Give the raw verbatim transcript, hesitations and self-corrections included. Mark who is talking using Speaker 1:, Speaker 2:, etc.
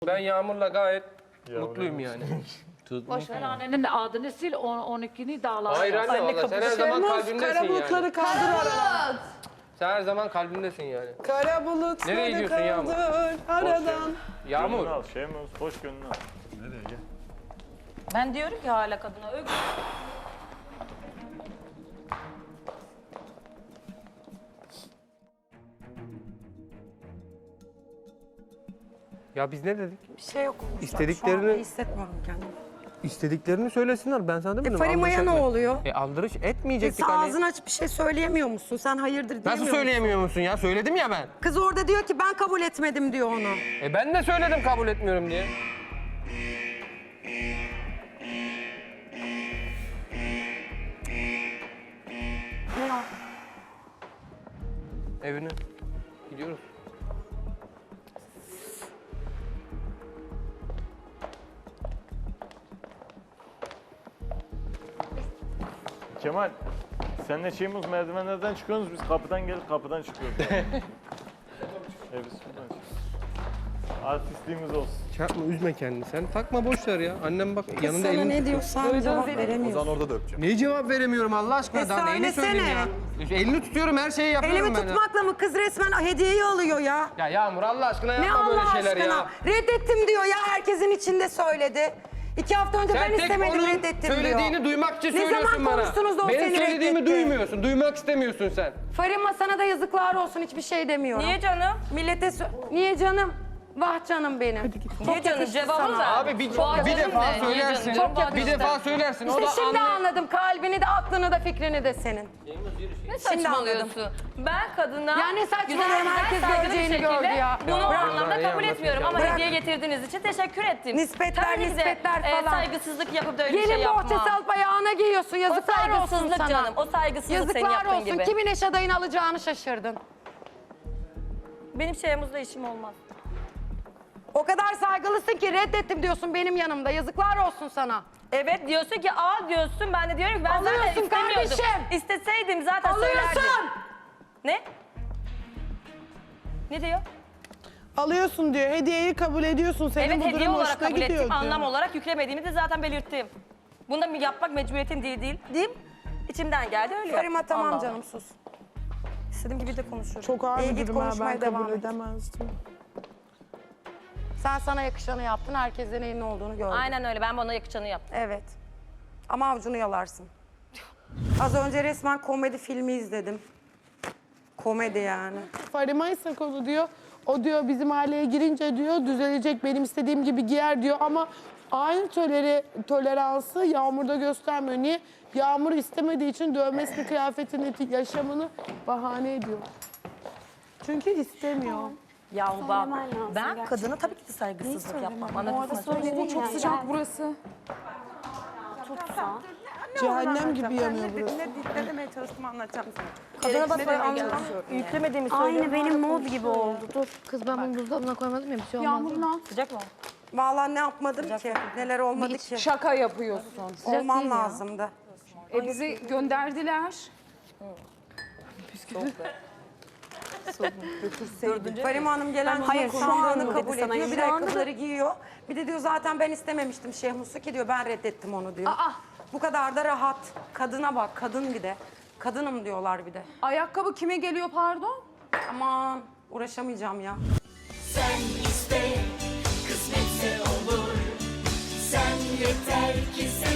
Speaker 1: Ben Yağmur'la gayet
Speaker 2: Yağmur
Speaker 1: mutluyum yani.
Speaker 3: Boş ver annenin adını sil, on, on ikini dağlar.
Speaker 1: Hayır anne valla sen her zaman kalbimdesin
Speaker 4: Kara bulutları
Speaker 1: yani.
Speaker 4: kaldır aradan.
Speaker 1: Sen her zaman kalbimdesin yani.
Speaker 4: Kara bulutları
Speaker 1: Nereye gidiyorsun Yağmur?
Speaker 4: kaldır aradan.
Speaker 1: Yağmur.
Speaker 2: Gönlünü al Şeymus, hoş gönlünü al. Nereye gel?
Speaker 5: Ben diyorum ki hala kadına ög.
Speaker 1: Ya biz ne dedik?
Speaker 6: Bir şey yok.
Speaker 1: İstediklerini-
Speaker 6: Şu an iyi hissetmiyorum kendimi.
Speaker 1: İstediklerini söylesinler. Ben sana demedim.
Speaker 6: E Farima'ya
Speaker 1: aldırış
Speaker 6: ne
Speaker 1: etme.
Speaker 6: oluyor?
Speaker 1: E aldırış
Speaker 6: E,
Speaker 1: etmeyecektik
Speaker 6: sen
Speaker 1: hani.
Speaker 6: ağzını açıp bir şey söyleyemiyor musun? Sen hayırdır diyemiyor
Speaker 1: Nasıl
Speaker 6: musun?
Speaker 1: söyleyemiyor musun ya? Söyledim ya ben.
Speaker 6: Kız orada diyor ki ben kabul etmedim diyor onu.
Speaker 1: E ben de söyledim kabul etmiyorum diye.
Speaker 6: Ne o?
Speaker 1: Evine. Gidiyoruz.
Speaker 2: Kemal, senle Şeymus merdivenlerden çıkıyorsunuz, biz kapıdan gelip kapıdan çıkıyoruz. Yani. evet, biz şuradan çıkıyoruz. Artistliğimiz olsun.
Speaker 1: Çarpma üzme kendini sen. Takma boş ver ya. Annem bak yanında
Speaker 6: Sana
Speaker 1: elini
Speaker 6: ne
Speaker 1: tutuyor.
Speaker 6: diyorsan cevap veremiyorsun.
Speaker 7: orada da öpeceğim.
Speaker 1: Niye cevap veremiyorum Allah aşkına?
Speaker 6: E
Speaker 1: Daha neyini söyleyeyim ya? Elini tutuyorum her şeyi yapıyorum
Speaker 6: Elimi
Speaker 1: ben ya.
Speaker 6: tutmakla mı kız resmen hediyeyi alıyor ya?
Speaker 1: Ya Yağmur Allah aşkına
Speaker 6: Ne
Speaker 1: yapma böyle
Speaker 6: Allah
Speaker 1: şeyler
Speaker 6: aşkına?
Speaker 1: ya.
Speaker 6: Reddettim diyor ya, herkesin içinde söyledi. İki hafta önce
Speaker 1: Sen
Speaker 6: ben
Speaker 1: tek
Speaker 6: istemedim,
Speaker 1: onun
Speaker 6: reddettim diyor.
Speaker 1: söylediğini duymak için
Speaker 6: Ne
Speaker 1: söylüyorsun
Speaker 6: zaman
Speaker 1: bana.
Speaker 6: konuştunuz da o
Speaker 1: Benim
Speaker 6: seni
Speaker 1: söylediğimi
Speaker 6: reddetti?
Speaker 1: duymuyorsun, duymak istemiyorsun sen.
Speaker 6: Farima sana da yazıklar olsun, hiçbir şey demiyorum.
Speaker 5: Niye canım?
Speaker 6: Millete sö- Niye canım? Vah canım benim.
Speaker 5: Niye canım? Cevabını ver.
Speaker 1: Abi bir,
Speaker 5: Bu adam
Speaker 1: bir defa
Speaker 5: ne? Niye
Speaker 1: söylersin,
Speaker 5: canım? Çok
Speaker 1: bir
Speaker 5: yakıştı.
Speaker 1: defa söylersin. O
Speaker 6: İşte
Speaker 1: da
Speaker 6: şimdi
Speaker 1: anne...
Speaker 6: anladım. Kalbini de, aklını da, fikrini de senin.
Speaker 5: Ne
Speaker 6: Şimdi
Speaker 5: saçmalıyorsun? Ben kadına
Speaker 6: Ya ne saçmalıyorum,
Speaker 5: güzel,
Speaker 6: herkes
Speaker 5: güzel, saygılı bir
Speaker 6: göreceğini
Speaker 5: şekilde
Speaker 6: gördü ya.
Speaker 5: Bunu o
Speaker 1: Ya,
Speaker 5: anlamda
Speaker 1: ya,
Speaker 5: kabul
Speaker 1: ya,
Speaker 5: etmiyorum
Speaker 1: ya.
Speaker 5: ama
Speaker 6: Bırak.
Speaker 5: hediye getirdiğiniz için teşekkür ettim.
Speaker 6: Nispetler,
Speaker 5: Tabii ki de,
Speaker 6: nispetler
Speaker 5: e,
Speaker 6: falan.
Speaker 5: saygısızlık yapıp da öyle bir
Speaker 6: Gelin
Speaker 5: şey yapma.
Speaker 6: bohçası alıp ayağına giyiyorsun.
Speaker 5: O
Speaker 6: Yazıklar olsun
Speaker 5: saygısızlık
Speaker 6: sana.
Speaker 5: canım. O saygısızlık senin
Speaker 6: Yazıklar
Speaker 5: yaptığın
Speaker 6: olsun.
Speaker 5: gibi.
Speaker 6: Kimin eş adayını alacağını şaşırdın.
Speaker 5: Benim şeyimizle işim olmaz.
Speaker 6: O kadar saygılısın ki reddettim diyorsun benim yanımda. Yazıklar olsun sana.
Speaker 5: Evet diyorsun ki al diyorsun. Ben de diyorum ki ben zaten
Speaker 6: Alıyorsun
Speaker 5: istemiyordum.
Speaker 6: kardeşim.
Speaker 5: İsteseydim zaten söylerdim.
Speaker 6: Alıyorsun.
Speaker 5: Ne? Ne diyor?
Speaker 4: Alıyorsun diyor. Hediyeyi kabul ediyorsun. Senin
Speaker 5: Evet
Speaker 4: bu
Speaker 5: hediye
Speaker 4: durum
Speaker 5: olarak
Speaker 4: hoşuna
Speaker 5: kabul
Speaker 4: gidiyor
Speaker 5: ettim.
Speaker 4: diyor.
Speaker 5: Anlam olarak yüklemediğimi de zaten belirttim. Bunu da yapmak mecburiyetim değil değil. Diyeyim. İçimden geldi öyle
Speaker 6: Farima
Speaker 5: yaptım.
Speaker 6: tamam
Speaker 5: Allah
Speaker 6: canım
Speaker 5: Allah.
Speaker 6: sus.
Speaker 5: İstediğim gibi de konuşurum.
Speaker 4: Çok ağır
Speaker 6: İyi,
Speaker 4: bir
Speaker 6: git
Speaker 4: durum ha.
Speaker 6: konuşmaya
Speaker 4: Ben
Speaker 6: devam
Speaker 4: kabul
Speaker 6: et.
Speaker 4: edemezdim.
Speaker 6: Sen sana yakışanı yaptın. Herkesten neyin ne olduğunu gördün.
Speaker 5: Aynen öyle. Ben bana yakışanı yaptım.
Speaker 6: Evet. Ama avucunu yalarsın. Az önce resmen komedi filmi izledim. Komedi yani.
Speaker 4: Farima ise konu diyor. O diyor bizim aileye girince diyor düzelecek, benim istediğim gibi giyer diyor ama aynı toleri, toleransı Yağmur'da göstermiyor. Niye? Yağmur istemediği için dövmesini, kıyafetini, yaşamını bahane ediyor. Çünkü istemiyor.
Speaker 5: Ya bak ben kadına tabii ki de saygısızlık yapmam. Anladın mı?
Speaker 8: Çok sıcak burası.
Speaker 4: Cehennem gibi yanıyor burası.
Speaker 6: Ne, ne demeye çalıştığımı anlatacağım sana.
Speaker 5: Kadına bak ben anlamam. Yüklemediğimi söylüyorum.
Speaker 8: Aynı benim mod gibi oldu. Dur. Kız ben bunu buzdolabına koymadım ya bir şey olmaz.
Speaker 3: Yağmurla.
Speaker 5: Sıcak mı?
Speaker 6: Vallahi ne yapmadım ki. Neler olmadı ki.
Speaker 3: Şaka yapıyorsun.
Speaker 6: Olmam lazımdı.
Speaker 3: E bizi gönderdiler.
Speaker 6: Farima Hanım gelen
Speaker 8: Hayır, şu
Speaker 6: sandığını
Speaker 8: an
Speaker 6: kabul
Speaker 8: dedi sana,
Speaker 6: ediyor. Bir de
Speaker 8: şu anda-
Speaker 6: ayakkabıları giyiyor. Bir de diyor zaten ben istememiştim Şehmus'u ki diyor ben reddettim onu diyor.
Speaker 3: Aa.
Speaker 6: Bu kadar da rahat. Kadına bak, kadın bir de. Kadınım diyorlar bir de.
Speaker 3: Ayakkabı kime geliyor pardon?
Speaker 6: Aman uğraşamayacağım ya.
Speaker 9: Sen iste, kısmetse olur. Sen yeter ki sen